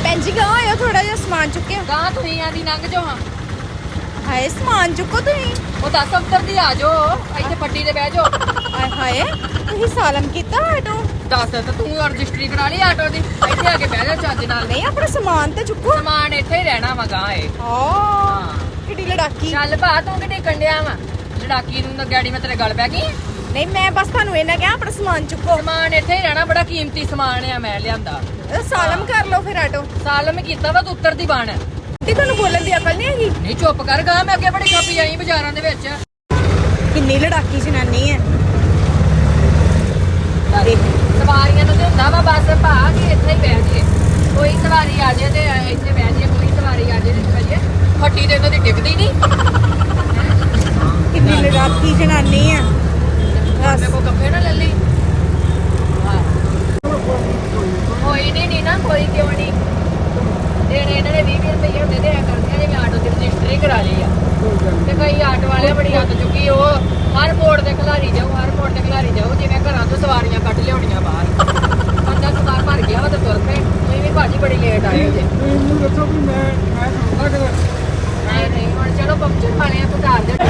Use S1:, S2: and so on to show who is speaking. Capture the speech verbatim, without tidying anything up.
S1: ਭੈਣ ਜੀ ਗਾਂ ਆਇਓ ਥੋੜਾ ਜਿਹਾ ਸਮਾਨ ਚੁੱਕਿਓ
S2: ਗਾਂ ਤੁਸੀਂ ਆਂਦੀ ਲੰਘ ਜਾਓ ਹਾਂ
S1: ਹਾਏ ਸਮਾਨ ਚੁੱਕੋ ਤੁਸੀਂ
S2: ਉਹ ਦਸ ਅੰਤਰ ਦੀ ਆ ਜਾਓ ਇੱਥੇ ਪੱਟੀ ਤੇ ਬਹਿ ਜਾਓ
S1: ਹਾਏ ਹਾਏ ਤੁਸੀਂ ਸਾਲਮ ਕੀਤਾ ਆਟੋ
S2: ਦੱਸ ਤੇ ਤੂੰ ਰਜਿਸਟਰੀ ਕਰਾ ਲਈ ਆਟੋ ਦੀ ਇੱਥੇ ਆ ਕੇ ਬਹਿ ਜਾ ਚੱਜ ਨਾਲ
S1: ਨਹੀਂ ਆਪਣਾ ਸਮਾਨ ਤੇ ਚੁੱਕੋ
S2: ਸਮਾਨ ਇੱਥੇ ਹੀ ਰਹਿਣਾ ਵਾ ਗਾਂ ਇਹ
S1: ਹਾਂ ਕਿੱਡੀ ਲੜਾਕੀ
S2: ਚੱਲ ਭਾ ਤੂੰ ਕਿਤੇ ਕੰਡਿਆ ਵਾ ਲੜਾਕੀ ਨੂੰ ਤਾਂ ਗਾੜੀ ਮੈਂ ਤੇਰੇ ਗਲ ਪੈ ਗਈ
S1: ਨਹੀਂ ਮੈਂ ਬਸ ਤੁਹਾਨੂੰ ਇਹਨਾਂ ਕਿਹਾ ਆਪਣਾ ਸਮਾਨ ਚੁੱਕੋ
S2: ਸਮਾਨ ਇੱਥੇ ਹੀ ਰਹਿਣਾ ਬੜਾ ਕੀਮਤੀ ਸਮਾਨ ਆ ਮੈਂ ਲਿਆਂਦਾ
S1: ਇਹ ਸਾਲਮ ਕਰ ਲਓ ਫਿਰ ਆਟੋ
S2: ਸਾਲਮ ਕੀਤਾ ਵਾ ਤੂੰ ਉੱਤਰ ਦੀ ਬਣ
S1: ਤੇ ਤੁਹਾਨੂੰ ਬੋਲਣ ਦੀ ਅਕਲ ਨਹੀਂ ਹੈਗੀ
S2: ਨਹੀਂ ਚੁੱਪ ਕਰ ਗਾ ਮੈਂ ਅੱਗੇ ਬੜੀ ਖਾਪੀ ਆਈ ਬਾਜ਼ਾਰਾਂ ਦੇ ਵਿੱਚ
S1: ਕਿੰਨੀ ਲੜਾਕੀ ਜਨਾਨੀ ਹੈ
S2: ਦੇਖ ਸਵਾਰੀਆਂ ਨੂੰ ਤੇ ਹੁੰਦਾ ਵਾ ਬਸ ਭਾ ਕਿ ਇੱਥੇ ਹੀ ਬਹਿ ਜੀਏ ਕੋਈ ਸਵਾਰੀ ਆ ਜਾਏ ਤੇ ਇੱਥੇ ਬਹਿ ਜੀਏ ਕੋਈ ਸਵਾਰੀ ਆ ਜਾਏ ਤੇ ਬਹਿ ਜੀਏ ਫੱਟੀ ਤੇ ਇਹਨਾਂ ਦੀ ਟਿਕਦੀ ਨਹੀਂ
S1: ਕਿੰਨੀ ਲੜਾਕੀ ਜਨਾਨੀ ਹੈ
S2: ਮੇਰੇ ਕੋ ਕੱਪੜੇ ਨਾ ਲੈ ਲਈ ਹਾਂ ਕੋਈ ਨਹੀਂ ਨਹੀਂ ਨਾ ਕੋਈ ਕਿਉਂ ਨਹੀਂ ਦੇਣੇ ਇਹਨਾਂ ਨੇ ਵੀਹ ਵੀਹ ਰੁਪਏ ਹੁੰਦੇ ਤੇ ਐ ਕਰਦੇ ਜਿਵੇਂ ਆਟੋ ਦੀ ਰਜਿਸਟਰੀ ਕਰਾ ਲਈ ਆ ਤੇ ਕਈ ਆਟੋ ਵਾਲੇ ਬੜੀ ਹੱਥ ਚੁੱਕੀ ਉਹ ਹਰ ਮੋੜ ਤੇ ਖਿਲਾਰੀ ਜਾਓ ਹਰ ਮੋੜ ਤੇ ਖਿਲਾਰੀ ਜਾਓ ਜਿਵੇਂ ਘਰਾਂ ਤੋਂ ਸਵਾਰੀਆਂ ਕੱਢ ਲਿਆਉਣੀਆਂ ਬਾਹਰ ਬੰਦਾ ਸਵਾਰ ਭਰ ਗਿਆ ਵਾ ਤੇ ਤੁਰ ਪਏ ਤੁਸੀਂ ਵੀ ਭਾਜੀ ਬੜੀ ਲੇਟ ਆਏ ਜੇ
S3: ਮੈਨੂੰ ਦੱਸੋ ਵੀ ਮੈਂ ਮੈਂ ਸੁਣਦਾ ਕਿ
S2: ਨਹੀਂ ਨਹੀਂ ਹੁਣ ਚਲੋ ਪੰਚਰ ਵਾਲੇ ਆ ਘਰ ਦੇ